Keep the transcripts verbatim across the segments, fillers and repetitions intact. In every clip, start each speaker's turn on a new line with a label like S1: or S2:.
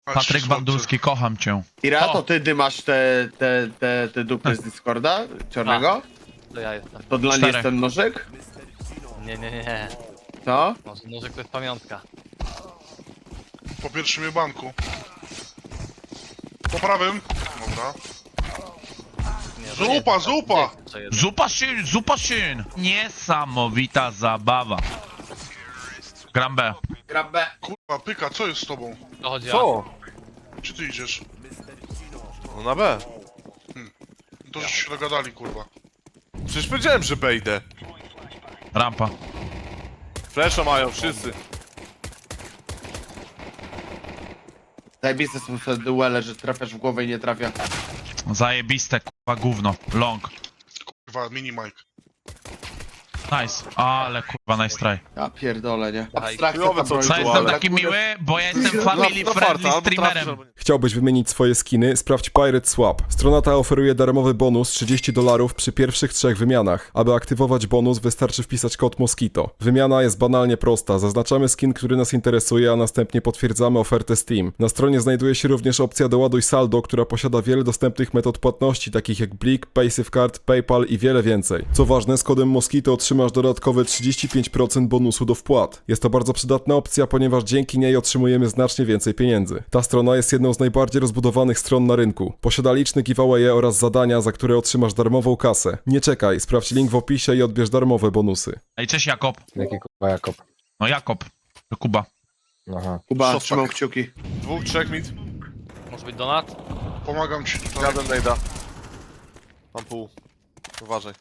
S1: Patryk Bandurski, kocham cię.
S2: Ira,
S1: O.
S2: to ty dymasz te, te, te, te dupy z Discorda czarnego?
S3: To ja jestem.
S2: To dla mnie
S1: Czterech.
S2: jest ten nożyk?
S3: Nie, nie, nie, nie.
S2: Co?
S3: Może nożyk to jest pamiątka.
S4: Po pierwszym jebanku. Po prawym. Dobra.
S3: Nie,
S4: Zupa, zupa!
S1: Zupa szyn, zupa szyn. Niesamowita zabawa. Gram B.
S2: Gram B.
S4: Kurwa, pyka, co jest z tobą?
S3: To chodzi o...
S5: Co?
S4: Gdzie ty idziesz?
S5: No na B.
S4: To żeście się dogadali, kurwa.
S5: Przecież powiedziałem, że B idę.
S1: Rampa.
S5: Flesza mają wszyscy.
S2: Zajebiste są te duele, że trafiasz w głowę i nie trafia.
S1: Zajebiste, kurwa, gówno. Long.
S4: Kurwa, mini Mike.
S1: Nice. Ale kurwa, nice try.
S2: Ja pierdolę, nie?
S3: Aj,
S2: Abstrakcja
S5: chujowe
S2: ta
S5: co
S2: broń.
S1: Co,
S5: tu,
S1: jestem
S5: ale-
S1: taki miły, bo ja jestem family
S5: Na- na
S1: friendly
S5: farta, albo trafisz,
S1: streamerem.
S5: albo nie.
S6: Chciałbyś wymienić swoje skiny? Sprawdź Pirate Swap. Strona ta oferuje darmowy bonus trzydzieści dolarów przy pierwszych trzech wymianach. Aby aktywować bonus, wystarczy wpisać kod Mosquito. Wymiana jest banalnie prosta. Zaznaczamy skin, który nas interesuje, a następnie potwierdzamy ofertę Steam. Na stronie znajduje się również opcja Doładuj saldo, która posiada wiele dostępnych metod płatności, takich jak Blik, PaySafeCard, PayPal i wiele więcej. Co ważne, z kodem Mosquito otrzymasz dodatkowe trzydzieści pięć procent bonusu do wpłat. Jest to bardzo przydatna opcja, ponieważ dzięki niej otrzymujemy znacznie więcej pieniędzy. Ta strona jest jedną z najbardziej rozbudowanych stron na rynku. Posiada liczne giveawaye oraz zadania, za które otrzymasz darmową kasę. Nie czekaj, sprawdź link w opisie i odbierz darmowe bonusy.
S1: Ej, cześć Jakob.
S7: Jaki kurwa Jakob?
S1: No Jakob. To Kuba.
S7: Aha.
S2: Kuba,
S5: Szostak.
S2: trzymam kciuki.
S5: Dwóch, trzech mid.
S3: Może być donat?
S4: Pomagam ci tutaj.
S5: Jadę nejda. Mam pół. Uważaj.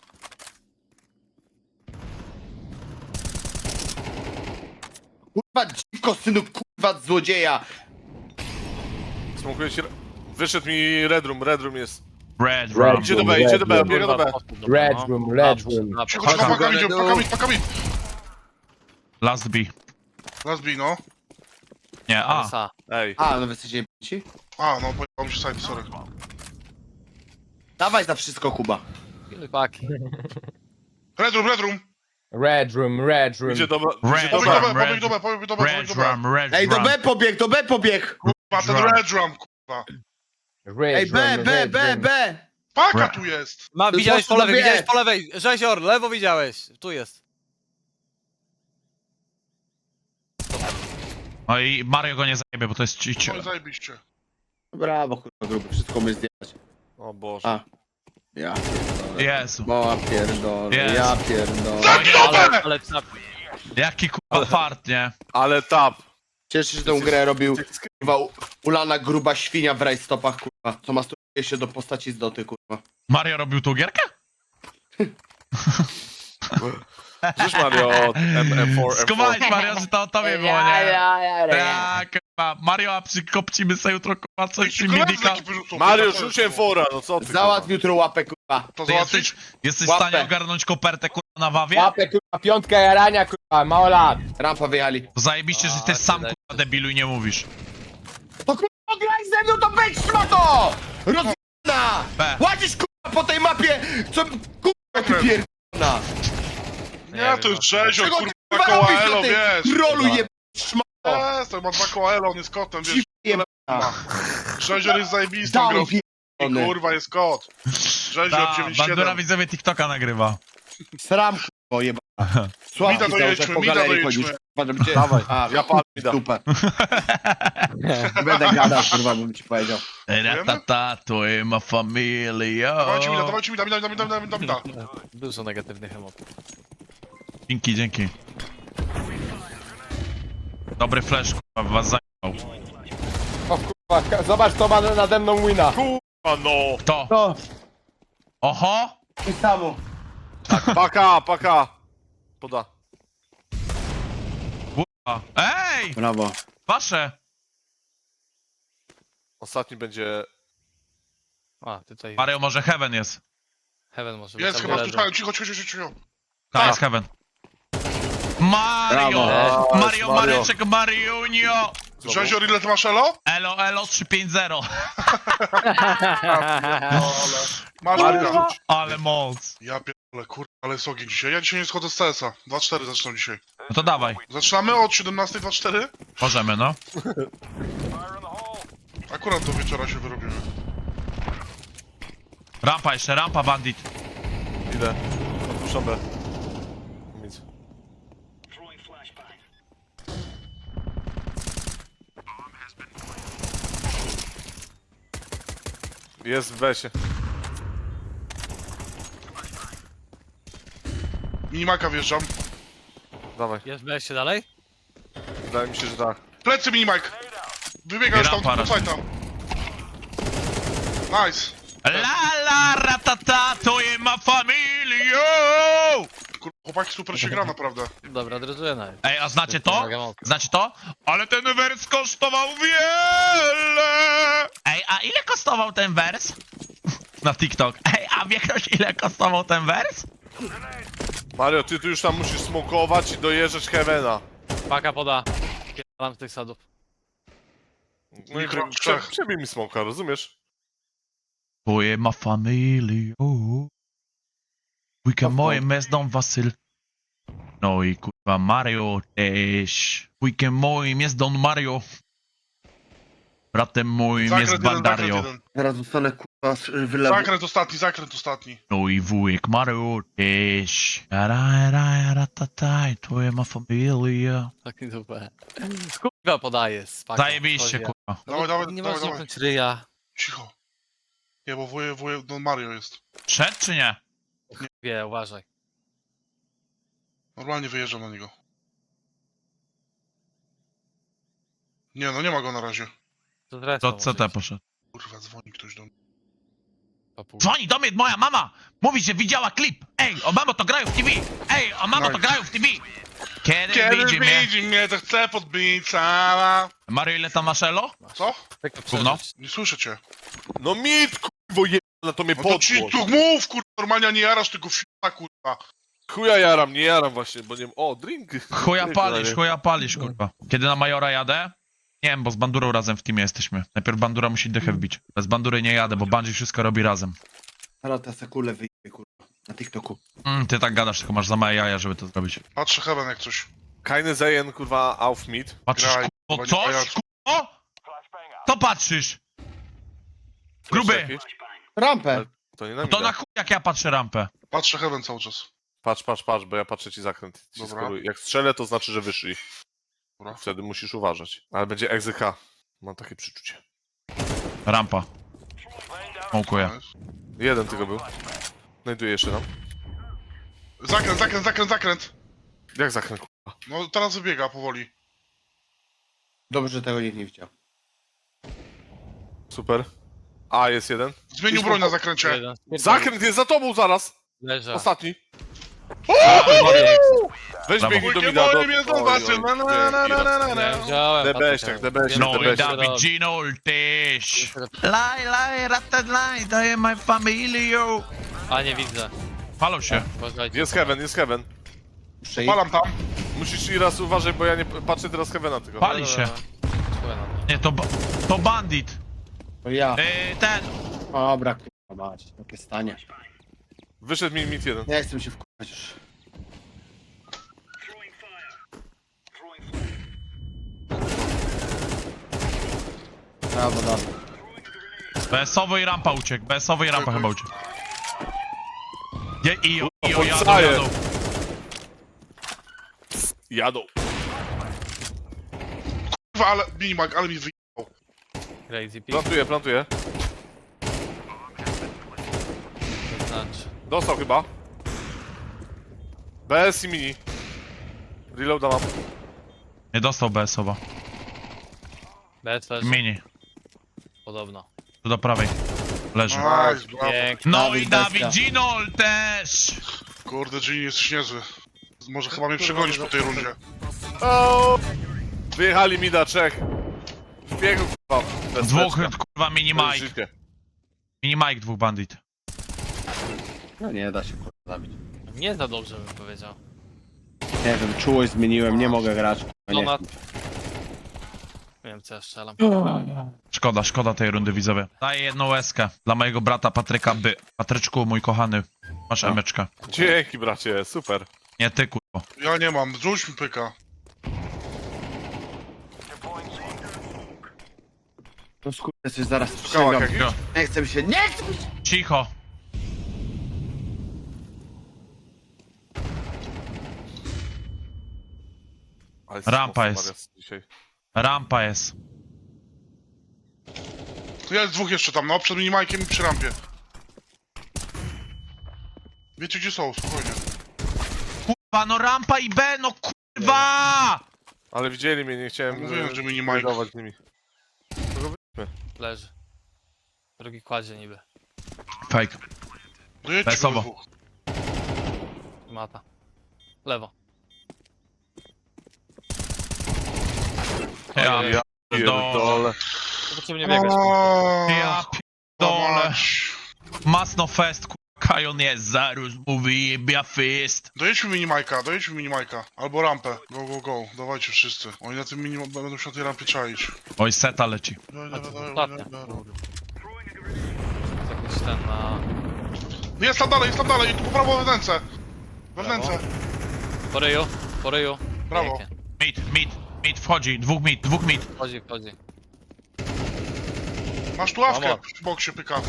S2: Kurwa, dziwko, synu, kurwa, złodzieja!
S5: Smokuję ci... Wyszedł mi Red Room, Red Room jest.
S1: Red
S7: Red
S1: Rum.
S5: Idzie do B, idzie do B,
S7: Red
S5: biega do B.
S7: Red room, red room.
S4: Cicho, cicho, pakam idzie, pakam idzie, pakam idzie.
S1: Last B.
S4: Last B, no.
S1: Nie, A.
S3: A.
S5: Ej.
S2: A, no wy jesteście ci?
S4: A, no, pojechał mi się side, sorry.
S2: Dawaj za wszystko, Kuba.
S3: Paki.
S4: Red room, red room.
S7: Red room, red room.
S5: Idzie do B.
S1: Red
S5: Idzie do
S4: Pobieg do
S5: B.
S4: B,
S1: Red-
S4: pobieg do B, pobieg do B, pobieg
S1: Red
S4: do B.
S1: Rum, Red
S2: Ej, do
S1: Rum.
S2: B pobieg, do B pobieg!
S4: Kurwa, ten
S1: Rum.
S4: red room, kurwa.
S7: Red
S2: Ej, B,
S7: room,
S2: B,
S7: red
S2: B,
S7: room.
S2: B!
S4: Paka
S1: Red.
S4: tu jest.
S3: Ma,
S2: To
S3: widziałeś
S2: po
S3: po lewej,
S2: wie.
S3: widziałeś po lewej. Rzezior, lewo widziałeś. Tu jest.
S1: No i Mario go nie zajebie, bo to jest ci... ci-
S4: Oj, zajebiście.
S2: Brawo, kurwa, gruby, wszystko my zdjęć.
S5: O Boże.
S2: A. Ja.
S1: Jezu.
S2: Bo pierdolę,
S1: Jest.
S2: ja pierdolę.
S3: Ale, ale tak.
S1: Jaki kurwa fart, nie?
S5: Ale tap.
S2: Cieszę się, że tę grę robił, kurwa, u- ulana gruba świnia w rajstopach, kurwa, co masturbuje się do postaci z doty, kurwa.
S1: Mario robił tą gierkę?
S5: Rzuć Mario M M cztery M cztery.
S1: Skumałeś Mario, że to o tobie było, nie? Tak, kurwa. Mario, a przykopcimy sobie jutro kurwa coś przy
S4: Koledzy
S1: Midika.
S4: taki wyrzucą,
S5: Mario,
S4: kurwa,
S5: rzuć
S4: to jest-
S5: M cztery, no co ty?
S2: Załatw jutro łapę, kurwa.
S4: To
S1: Ty
S4: załatwić?
S1: jesteś, jesteś w
S2: Łapę.
S1: stanie ogarnąć kopertę kurwa na wawie?
S7: Łapę kurwa, piątka jarania kurwa, mało lat.
S2: Rampa wyjechali.
S1: To zajebiście, że ty
S3: A,
S1: sam
S3: tyle.
S1: kurwa debilu i nie mówisz.
S2: To kurwa, graj ze mną, to wejdź szmato! Rozjebana!
S1: B.
S2: Łazisz, kurwa, po tej mapie, co, kurwa, ty pierdolona!
S4: Nie, to jest Rzezior,
S2: Czego
S4: kurwa,
S2: ty, kurwa,
S4: koła
S2: robisz
S4: Elo,
S2: na tej
S4: wiesz.
S2: trolu jeb... szmato!
S4: Jest, to ma dwa koła Elo, on jest kotem, wiesz.
S2: Jebana!
S4: Rzezior jest zajebistą grą.
S2: Down, pierdolony!
S4: Kurwa, jest kot. Rzezior
S1: Ta,
S4: dziewięć
S1: Bandura
S4: siedem.
S1: widzowie TikToka nagrywa.
S2: Sram, kurwa, jebana. Sławki
S4: Mida
S2: cały czas
S4: dojedźmy,
S2: po
S4: mida
S2: galerii
S4: dojedźmy.
S2: chodzisz, kurwa, żeby cię...
S5: Dawaj,
S2: A,
S5: ja palę mida.
S2: dupę. Nie będę gadał, kurwa, bym ci powiedział.
S1: Ratata, to jest ma familia.
S4: Dawajcie mida, dawajcie mida, mida, mida, mida, mida, mida.
S3: Dużo negatywnych emocji.
S1: Dzięki, dzięki. Dobry flash, kurwa, was zajmował.
S7: O kurwa, zobacz kto ma nade mną wina.
S5: A no.
S1: Kto?
S2: To,
S1: Oho!
S2: i samo.
S5: Paka, paka. Poda.
S1: Kurwa. Ej!
S2: Brawo.
S1: Wasze!
S5: Ostatni będzie...
S3: A, tutaj
S1: Mario, może Heaven jest.
S3: Heaven może być.
S4: Jest
S3: albo
S4: chyba,
S3: leży.
S4: słyszałem, cicho, cicho, cicho, cicho.
S1: Tak, jest Heaven. Mario!
S2: Brawo.
S1: Mario,
S5: Mario.
S1: Mareczek, Mariunio!
S4: Rzezior, ile ty masz Elo?
S1: Elo, elo, trzy pięć zero.
S4: Masz
S5: Mario,
S4: mida.
S5: rzuć.
S1: Ale moc.
S4: Ja pierdolę, kurwa, ale jest ogień dzisiaj. Ja dzisiaj nie schodzę z C S a. dwa cztery zaczynam dzisiaj.
S1: No to dawaj.
S4: Zaczynamy od siedemnastej dwa cztery?
S1: Możemy, no.
S4: Akurat do wieczora się wyrobimy.
S1: Rampa jeszcze, rampa bandit.
S5: Idę. Odpuszczam B. Nic. Jest w besie.
S4: Minimaka wjeżdżam.
S5: Dawaj.
S3: Jest B się dalej?
S5: Wydaje mi się, że tak.
S4: Plecy Minimak! Wybiegasz tam,
S1: Rampa
S4: do fajta. Nice.
S1: La la ratata, to jest ma familio!
S4: Kur... Chłopaki super się gra naprawdę.
S3: Dobra, drezuję na.
S1: Ej, a znacie to?
S3: Pomagam.
S1: Znacie to? Ale ten wers kosztował wiele! Ej, a ile kosztował ten wers? Na TikTok. Ej, a wie ktoś ile kosztował ten wers?
S5: Mario, ty tu już tam musisz smokować i dojeżdżać Heavena.
S3: Paka poda. Pierdalam z tych sadów.
S5: No i
S4: Mikro
S5: prze-
S4: trzech.
S5: przebij mi smoka, rozumiesz?
S1: To jest ma familio. Weekend moje mezdą Wasyl. No i kurwa Mario też. Weekend moim jest Don Mario. Bratem moim jest
S4: Zakręt jeden, zakręt
S1: Bandario.
S4: jeden.
S2: Zaraz zostanę kurwa wylewu.
S4: Zakręt ostatni, zakręt ostatni.
S1: No i wujek Mario też. Ra, ra, ra, ta, ta, to jest ma familia.
S3: Taki dupę. Kurwa podaje z paką.
S1: Zajebiście
S3: Chodzi.
S1: kurwa.
S4: Dawaj, dawaj,
S3: Nie
S4: dawaj,
S3: masz
S4: dawaj.
S3: zamknąć ryja.
S4: Cicho. Nie, bo wuje, wuje, no Mario jest.
S1: Szedł czy nie?
S3: Wie, uważaj.
S4: Normalnie wyjeżdżam na niego. Nie, no nie ma go na razie.
S3: To zresztą
S1: To
S3: może
S1: C T
S3: być.
S1: poszedł.
S4: Kurwa, dzwoni ktoś do mnie.
S3: Papuga.
S1: Dzwoni do mnie moja mama! Mówi, że widziała klip! Ej, o mamo to grają w T V! Ej, o mamo to
S4: Nice.
S1: grają w T V! Kiedy,
S4: Kiedy
S1: widzi mnie?
S4: widzi mnie, to chce podbić cała.
S1: Mario, ile tam masz elo?
S4: Co?
S3: Tylko
S1: Gówno.
S3: przeżyć.
S4: Nie słyszę cię.
S5: No mit, kurwo jebana, to mnie
S4: No to ci
S5: podgłos.
S4: tu mów, kurwa, normalnie a nie jarasz tylko f***a, kurwa.
S5: Chuja jaram, nie jaram właśnie, bo nie wiem... O, drink.
S1: Chuja
S5: Drink,
S1: palisz,
S5: ale-
S1: chuja palisz, kurwa. Kiedy na Majora jadę? Nie wiem, bo z Bandurą razem w teamie jesteśmy. Najpierw Bandura musi dychę wbić. Bez Bandury nie jadę, bo Bungie wszystko robi razem.
S2: Zaraz te sekule wyjdzie kurwa. Na TikToku.
S1: Mm, ty tak gadasz, tylko masz za małe jaja, żeby to zrobić.
S4: Patrzę Heaven jak coś.
S5: Keine Zejen, kurwa, auf mit.
S1: Patrzysz,
S4: Graj,
S1: kurwo,
S4: kurwa, nie
S1: coś?
S4: pajacu.
S1: Kurwo? To patrzysz! Gruby!
S5: Jeszcze jakieś?
S2: Rampę!
S5: To nie na
S1: No to
S5: mida.
S1: na chuj jak ja patrzę rampę.
S4: Patrzę Heaven cały czas.
S5: Patrz, patrz, patrz, bo ja patrzę ci zakręt. Ci
S4: Dobra.
S5: skoruję. Jak strzelę, to znaczy, że wyszli.
S4: Dobra.
S5: Wtedy musisz uważać. Ale będzie egzyka. Mam takie przeczucie.
S1: Rampa. Smokuję.
S4: Nice.
S5: Jeden tylko był. Znajduję jeszcze tam.
S4: Zakręt, zakręt, zakręt, zakręt.
S5: Jak zakręt, kurwa?
S4: No teraz wybiega powoli.
S2: Dobrze, że tego nikt nie widział.
S5: Super. A, jest jeden.
S4: Zmienił broń na zakręcie.
S3: Jeden.
S5: Zakręt jest za tobą zaraz!
S3: Leża.
S5: Ostatni. Weź
S1: Brawo.
S5: biegnij do
S4: Wujkiem
S5: mida.
S4: moim jest Don Wasyl. Na, na, na, na, na, na, na.
S3: Nie wziąłem.
S5: Debeściak,
S3: patrzę.
S5: debeściak,
S1: No
S3: Wiem,
S1: i
S5: debeściak.
S3: co
S1: David
S3: robi.
S1: Gino też. Laj, laj, ratat, laj, daję my familio.
S3: A nie widzę.
S1: Palą się.
S3: Uważajcie.
S5: Jest heaven, jest heaven.
S2: Muszę iść.
S4: Palam tam.
S5: Musisz i raz uważać, bo ja nie patrzę teraz heavena tylko.
S1: Pali się.
S3: Czuję na to.
S1: Nie, to, ba- to bandit.
S2: To ja.
S1: Yy, ten.
S2: Dobra, kurwa mać. Jakie stanie.
S5: Wyszedł mi mit jeden.
S2: Nie chcę się wkurwać już. Brawo, brawo.
S1: B S-owo i rampa uciekł. B S-owo i rampa chyba uciekł. Je, ijo, ijo, jadą,
S5: podstaje.
S1: jadą.
S5: Jadą.
S4: Kurwa, ale minimag, ale mi wyjechał.
S3: Crazy pig.
S5: Plantuję, plantuję.
S3: Znaczy.
S5: Dostał chyba. B S i mini. Reloada mam.
S1: Nie dostał B S-owo.
S3: B S leży.
S1: Mini.
S3: Podobno.
S1: Tu do prawej. Leży.
S4: Nice, brawo.
S3: Pięknie.
S1: No i
S2: Dawid
S1: David Ginol też.
S4: Kurde, Gini jest niezły. Może chyba mnie przegonisz po tej rundzie.
S5: O! Wyjechali mida, trzech. Biegł kurwa. Bez
S1: Dwóch,
S5: beczka.
S1: kurwa, mini
S5: Bez
S1: Mike.
S5: życie.
S1: Mini Mike, dwóch bandit.
S2: No nie da się kurwa zabić.
S3: Nie za dobrze bym powiedział.
S2: Nie wiem, czułość zmieniłem, nie mogę grać.
S3: No
S2: Nie
S3: na-
S2: chcę.
S3: Nie wiem co ja strzelam.
S1: Szkoda, szkoda tej rundy, widzowie. Daję jedną łezkę dla mojego brata Patryka By. Patryczku, mój kochany. Masz emeczkę.
S5: Dzięki bracie, super.
S1: Nie ty, kurwa.
S4: Ja nie mam, rzuć mi pyka.
S2: No skurczę, coś zaraz
S5: Kałak
S2: przysięgam.
S5: jakiś?
S2: Nie chcę mi się, nie chcę mi się!
S1: Cicho.
S5: Ale
S1: Rampa
S5: mocno,
S1: jest.
S5: Mariusz, dzisiaj.
S1: Rampa jest.
S4: To jest dwóch jeszcze tam, no, przed minimajkiem i przy rampie. Wiecie gdzie są, spokojnie.
S1: Kurwa, no rampa i B, no kurwa!
S5: Ale widzieli mnie, nie chciałem
S4: Mówiłem,
S5: e,
S4: że minimajk.
S5: tradować z nimi.
S3: Leży. Drugi kładzie niby.
S1: Fake.
S4: Dojedźcie
S1: Wesoło.
S4: go dwóch.
S3: Mata. Lewo.
S1: Ja
S3: Ojej.
S5: Ja
S1: pierdolę.
S5: pierdolę.
S3: To potrzebnie biegać.
S1: Ja pierdolę. Masno fest, kurwa. Kajon jest, zaróż mówi, jebia fist.
S4: Dojedźmy minimajka, dojedźmy minimajka. Albo rampę. Go, go, go. Dawajcie wszyscy. Oni na tym minimum będą się na tej rampie czaić.
S1: Oj, seta leci.
S4: Dawaj,
S3: A
S4: dawaj,
S3: to
S4: dawaj,
S3: ostatnia.
S4: dawaj, dawaj.
S3: Jakiś ten na...
S4: Jest tam dalej, jest tam dalej. Tu po prawo wewnętrzne. Wewnętrzne.
S3: Po ryju, po ryju.
S4: Brawo.
S3: Pięknie.
S1: Mid, mid, mid wchodzi, dwóch mid, dwóch mid.
S3: Wchodzi, wchodzi.
S4: Masz tu ławkę
S3: Brawo.
S4: w boksie pyka.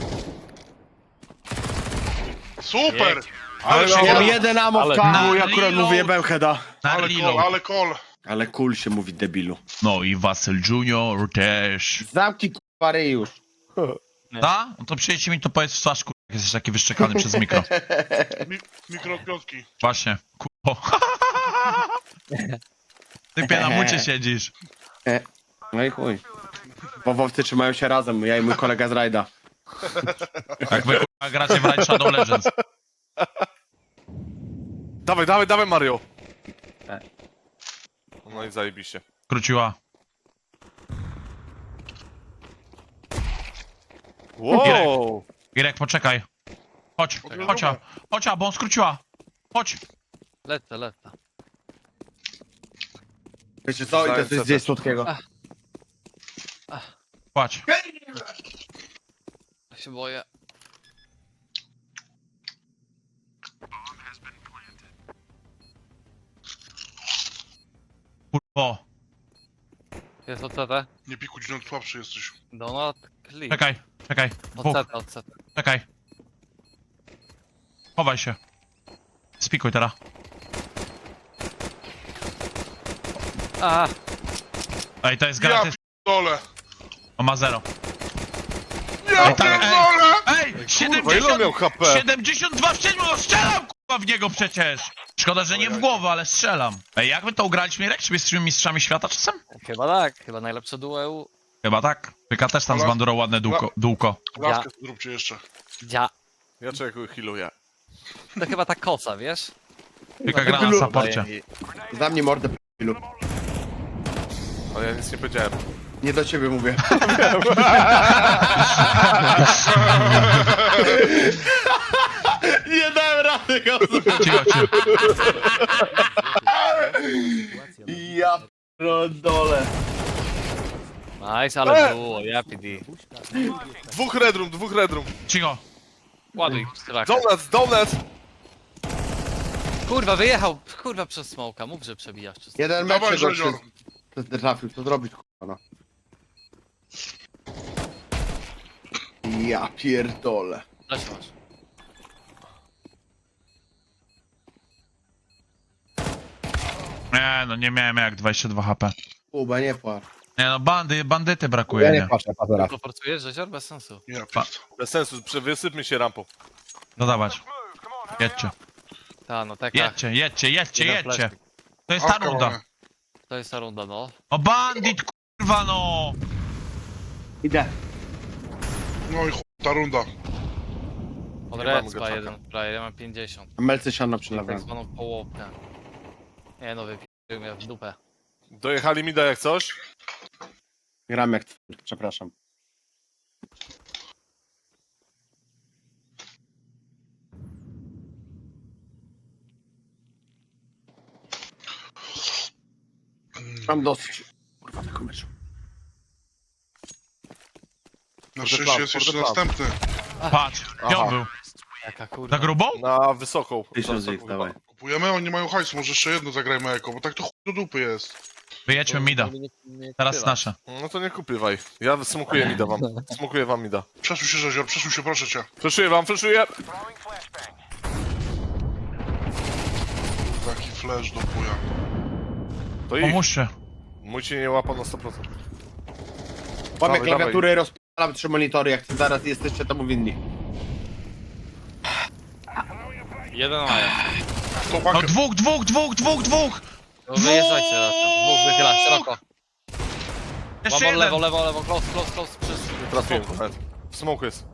S4: Super!
S3: Pięknie.
S4: Ale się
S2: Mam
S4: nie...
S2: jeden ammo
S3: Ale-
S2: w kamu i
S1: Na
S2: akurat
S1: reload.
S2: mu wyjebałem heada.
S1: Na
S4: Ale kol,
S1: reload.
S4: ale kol.
S2: Ale cool się mówi, debilu.
S1: No i Wasyl Junior też.
S2: Zamknij kurwa ryj już.
S1: Da? No to przyjdźcie mi to powiedz w twarz, kurwa, jak jesteś taki wyszczekany przez mikro.
S4: Mi mikropiątki.
S1: Właśnie, kurwa. Ty na mucie siedzisz.
S2: No i chuj. Wowowcy trzymają się razem, ja i mój kolega z rajda.
S1: Jak wy kurwa, gracie w Raid Shadow Legends.
S5: Dawaj, dawaj, dawaj Mario!
S2: Tak.
S5: No i zajebiście.
S1: Króciła.
S5: Wow!
S1: Irek, poczekaj. Chodź, chodź, a, chodź, a, bo on skróciła. Chodź.
S3: Lecę, lecę.
S2: Wiecie co? I to jest gdzieś słodkiego.
S1: Płać.
S3: Ja się boję.
S1: Kurwo.
S3: Jest O C T.
S4: Nie pikuj, no słabszy jesteś.
S3: Donut, click.
S1: Czekaj, czekaj.
S3: O
S1: Dwóch,
S3: C T, O C T.
S1: czekaj. Chowaj się. Spikuj teraz.
S3: A,
S1: Ej, to jest
S4: Ja
S1: gratis.
S4: pierdolę.
S1: On ma zero.
S4: Ja
S1: Ej, tak, ej.
S4: pierdolę!
S1: Ej,
S5: Kurwa, ile on miał
S1: siedemdziesiąt,
S5: H P?
S1: siedemdziesiąt dwa w siedmiu, no strzelam kurwa w niego przecież. Szkoda, że nie w głowę, ale strzelam. Ej, jak my to ugraliśmy, Irek? Czy my jesteśmy mistrzami świata czasem?
S3: chyba tak. Chyba najlepsze dueł.
S1: Chyba tak. Pyka też tam z
S4: Ale-
S1: bandurą ładne dółko. dółko.
S4: Ławkę zróbcie jeszcze.
S3: Dzia.
S5: Ja czekuję, healuję.
S3: To chyba ta kosa, wiesz?
S1: Pyka gra na saporcie.
S2: Zamknij mordę, debilu.
S5: Ale ja nic nie powiedziałem.
S2: Nie do ciebie mówię. Nie dałem rady go.
S1: Cicho, cicho.
S2: Ja pierdolę.
S3: Nice, ale było, ja P D.
S5: Dwóch redrum, dwóch redrum.
S1: Cicho.
S3: Ładuj strach.
S5: Donuts, donuts!
S3: Kurwa, wyjechał, kurwa, przez smoka. Mów, że przebijasz przez...
S2: Jeden
S4: Dawaj,
S2: mecz gorszy.
S4: Żozior.
S2: To trafił, to zrobić kurwa no. Ja pierdolę.
S3: Lecz masz.
S1: Nie, no nie miałem jak dwadzieścia dwa H P.
S2: Kuba, nie płacz.
S1: Nie no, bandy, bandyty brakuje, nie?
S7: patrzę, patrzę.
S3: To forcujesz, że bez sensu.
S4: Ja
S1: Pa-
S4: pierd...
S5: Bez sensu, prze- wysypmy się rampą.
S1: Dodawać. Jedźcie,
S3: Ta, no taka.
S1: jedźcie, jedźcie, jedźcie,
S3: Jeden
S1: jedźcie.
S3: fleszki.
S1: To jest ta
S4: Awka
S1: runda.
S4: mamy.
S3: To jest ta runda, no.
S1: O bandit, kurwa no!
S2: Idę.
S4: No i chuj, ta runda.
S3: Od
S5: Nie mam
S3: Redspa
S5: go
S3: jeden player, ja mam pięćdziesiąt.
S2: Melce siano
S3: Tak
S2: przylewam.
S3: zwaną połowkę. Nie no, wypił mnie w dupę.
S5: Dojechali mi da jak coś?
S2: Gram jak twór, przepraszam. Mam dosyć. Kurwa, tego meczu.
S4: Na
S5: For the
S4: szczęście
S5: plan,
S4: jest
S5: for
S4: jeszcze
S5: the plan.
S4: następny.
S1: Patrz, gdzie on był?
S3: Jaka kurwa.
S1: Na grubą?
S5: Na wysoką.
S2: Tysiąc
S5: Za
S2: ich,
S5: wysoką
S2: dawaj.
S5: chyba.
S4: Kupujemy, oni nie mają hajsu, może jeszcze jedno zagrajmy eko, bo tak to chuj do dupy jest.
S1: Wyjedźmy mida. Teraz nasze.
S5: No to nie kupywaj. Ja smokuję mida wam. Smokuję wam mida.
S4: Przesuń się, Rzezior, przesuń się, proszę cię.
S5: Fleszuję wam, fleszuję!
S4: Taki flash do chuja.
S5: To ich.
S1: Pomóżcie.
S5: Mój cię nie łapał na sto procent.
S2: Łamię
S5: Dawaj,
S2: klawiatury, rozpalam trzy monitory, jak zaraz jesteście temu winni.
S3: Jeden maja.
S4: To
S1: No
S4: pakę.
S1: dwóch, dwóch, dwóch, dwóch, dwóch!
S3: No wyjeżdżajcie razem. Dwóch wychyla, szeroko.
S1: Jeszcze
S3: Łamor, lewo,
S1: jeden!
S3: lewo, lewo, close, close, close. Przez...
S5: Nie trafiłem nawet. W smoku jest.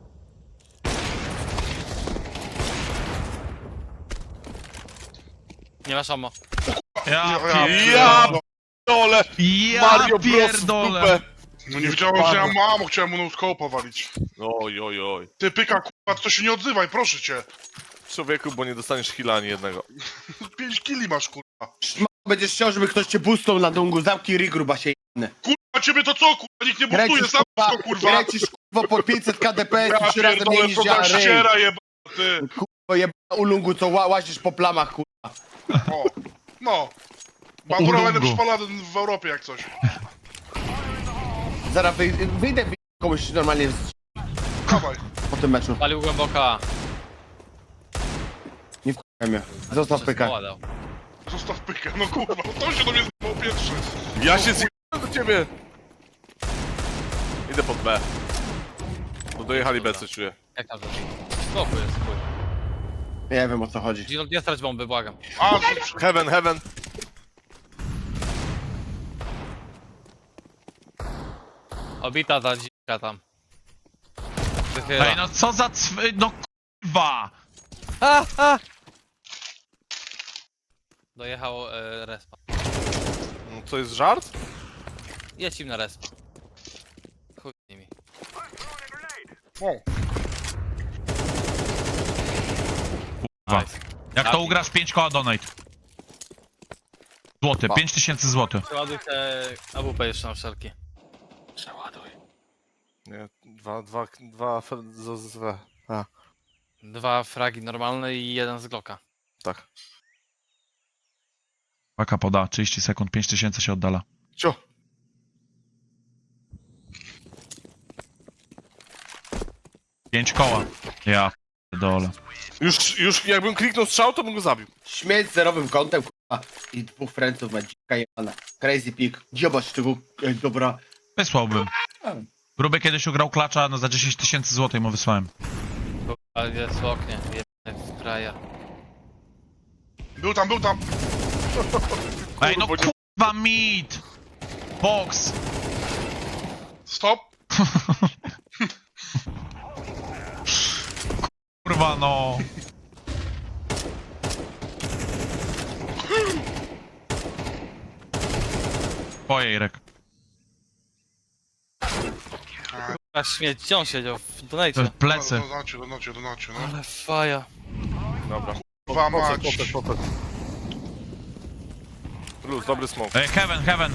S3: Nie masz ammo.
S1: Ja
S4: Ja
S1: pierdolę!
S5: Ja dole!
S1: Ja
S5: Mario Bros w
S1: pierdolę!
S5: dupę!
S4: No nie wiedziałem, że ja mam, chciałem mu no-scope'a walić.
S5: Oj, oj, oj.
S4: Ty pyka, kurwa, to się nie odzywaj, proszę cię.
S5: Człowieku, bo nie dostaniesz heala ani jednego.
S4: Pięć kili masz, kurwa.
S2: Będziesz chciał, żeby ktoś cię boostnął na dungu, zamknij ry, gruba się jedne.
S4: Kurwa, ciebie to co, kurwa, nikt nie boostuje,
S2: Kręcisz,
S4: sam
S2: kurwa,
S4: to, kurwa.
S2: kręcisz, kurwa, po pięćset K D P S
S4: Ja
S2: i trzy razy mniej
S4: pierdolę,
S2: niż
S4: to
S2: ja,
S4: ta
S2: ryj.
S4: ściera jeba, ty.
S2: Kurwa, jebana ulungu, co ła łazisz po plamach, kurwa.
S4: O, no. Bandura będę
S1: Ulungu.
S4: przypalany w Europie jak coś.
S2: Zaraz wyj wyjdę w komuś normalnie z...
S4: Dawaj.
S2: po tym meczu.
S3: Palił głęboka.
S2: Nie wkurwaj mnie. Zostaw pyka.
S3: Ładał.
S4: Zostaw pykę, no kurwa, no to się do mnie zjebał pierwszy.
S5: Ja się zjebałem do ciebie! Idę pod B. Bo dojechali B, co czuję.
S3: Jak tam to? Spokój jest, spokój.
S2: Nie wiem, o co chodzi.
S3: Gino, nie strać bomby, błagam.
S4: A, to-
S5: Heaven, heaven.
S3: Obita ta dzika tam. Wychyla.
S1: Ej, no co za cwy... No kurwa!
S3: A, a! Dojechał e, respa.
S5: No, to jest żart?
S3: Jedź im na respa. Chuj z nimi.
S4: o.
S1: Kurwa.
S3: Nice.
S1: Jak to ugrasz pięć koła donate. Złoty,
S5: Pa.
S1: pięć tysięcy złotych.
S3: Przeładuj te A W P jeszcze na wszelki.
S5: Nie, dwa, dwa, dwa, f- z, z, z, a,
S3: Dwa fragi normalne i jeden z Glocka.
S5: tak.
S1: Paka poda, trzydzieści sekund, pięć tysięcy się oddala.
S5: Cio.
S1: pięć koła. Ja dole.
S5: Już, już jakbym kliknął strzał, to bym go zabił.
S2: Śmieć z zerowym kątem, kurwa. I dwóch franców ma dzika jebana. Crazy pig. Zobacz tego, ej, dobra.
S1: Wysłałbym. Gruby kiedyś ugrał klacza, no za dziesięć tysięcy złotych mu wysłałem.
S3: Ale jest w oknie, jebany w kraja.
S4: Był tam, był tam.
S1: Ej, no
S5: Kurwa, nie-
S1: kurwa mit! Box!
S4: Stop.
S1: Kurwa no. Twoje, Irek.
S3: A śmieć, gdzie on siedział? W
S1: To
S3: donate.
S1: jest plecy.
S4: Donacie, donacie, donacie, no.
S3: Ale faja.
S5: Dobra.
S4: Kurwa
S5: Potek,
S4: mać.
S5: potek, potek. Luz, dobry smoke.
S1: Ej, heaven, heaven.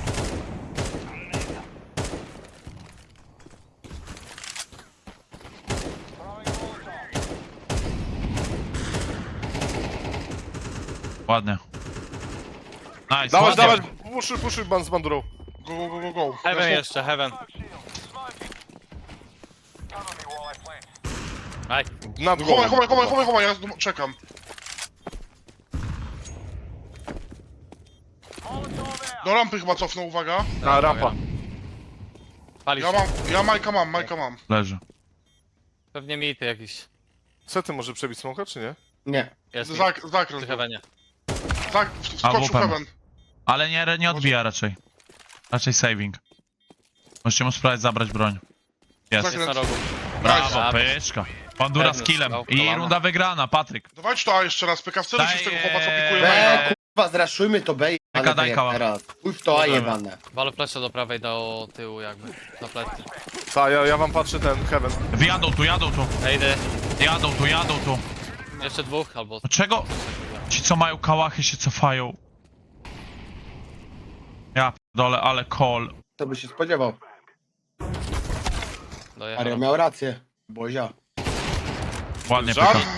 S1: Ładnie. Nice,
S5: Dawać,
S1: ładnie.
S5: dawać, puszuj, puszuj ban z bandurą.
S4: Go, go, go, go, go.
S3: Heaven jeszcze, heaven. Aj,
S5: Nad głową.
S4: Chowaj, chowaj, chowaj, chowaj, chowaj, ja z- czekam. Do rampy chyba cofnął, uwaga.
S5: Na rampa.
S3: palisz.
S4: Ja mam, ja Majka mam, Majka mam.
S1: Leży.
S3: Pewnie mity jakiś.
S5: Sety może przebić smoka, czy nie?
S2: Nie.
S3: Jest mit.
S4: Zak, zakręt.
S3: Przy heavenie.
S4: Zak, wskoczył
S1: Albo
S4: heaven.
S1: Ale nie, nie odbija raczej. Raczej saving. Możecie mu spróbować zabrać broń. Jest.
S4: Tak.
S3: Jest na rogu.
S1: Brawo,
S3: Nice.
S1: pyczka. Bandura z
S3: Pewny
S1: killem.
S3: strzał,
S1: I
S3: kolana.
S1: runda wygrana, Patryk.
S4: Dawajcie to A jeszcze raz, pyka w celu się z tego chłopa, co pikuje
S2: B,
S4: maina.
S2: kurwa, zraszujmy to B
S1: Taka
S2: jebane
S1: dajka
S2: tak
S1: ma.
S2: jak teraz. Pójdź w to A jebane.
S3: Walę flesze do prawej, do tyłu jakby. Na plecy.
S5: Tak, ja, ja wam patrzę ten heaven.
S1: Wjadą tu, jadą tu.
S3: Ejdy.
S1: Jadą tu, jadą tu.
S3: Jeszcze dwóch albo...
S1: Dlaczego ci co mają kałachy się cofają? Ja dole, ale call.
S2: To by się spodziewał.
S3: Dojechał.
S2: Mario miał rację. Bozia.
S1: Ładnie
S5: Żart?
S1: pyka.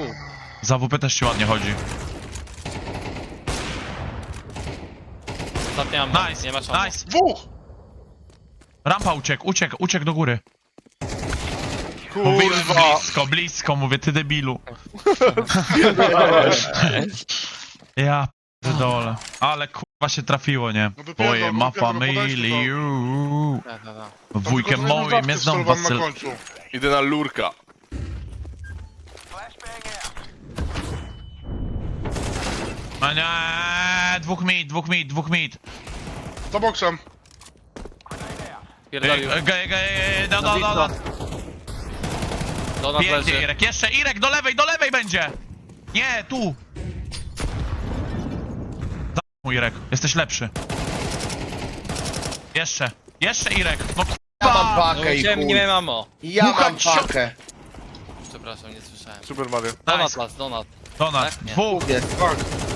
S1: Za W P też ci ładnie chodzi.
S3: Ostatnia ammo.
S1: Nice,
S3: Nie masz ammo.
S1: nice.
S4: Dwóch!
S1: Rampa uciekł, uciekł, uciekł do góry. Mówiłem
S5: Kurwa!
S1: blisko, blisko, mówię, ty debilu. Ja pierdolę. Ale kurwa się trafiło, nie?
S4: No wypierdol,
S1: Boje,
S4: no
S1: ma
S4: wypierdol, no podajcie
S1: familię.
S3: Da, da, da.
S1: Wujkiem moim jest dom
S4: Wasyl...
S1: Wasyl...
S4: na końcu.
S5: Idę na lurka.
S1: A nie, dwóch mid, dwóch mid, dwóch mid.
S4: Za boksem.
S3: Pierdolił.
S1: Ge, ge, ge, do, do, do, do.
S3: Donat
S1: Pięknie,
S3: leży.
S1: Irek, jeszcze Irek, do lewej, do lewej będzie! Nie, tu! Za Irek, jesteś lepszy. Jeszcze, jeszcze Irek, no
S2: Ja mam
S1: kurwa!
S3: No
S2: pakę i
S3: chciałem, nie
S2: chuj.
S3: miałem ammo.
S2: Ja
S1: Mucha
S2: mam
S1: cio-
S2: pakę.
S3: Przepraszam, nie słyszałem.
S5: Super Mario.
S3: Donat
S1: Nice.
S3: las, donat.
S1: Donat,
S3: Tak? Nie.
S1: dwóch,
S2: Jest.
S4: Tak.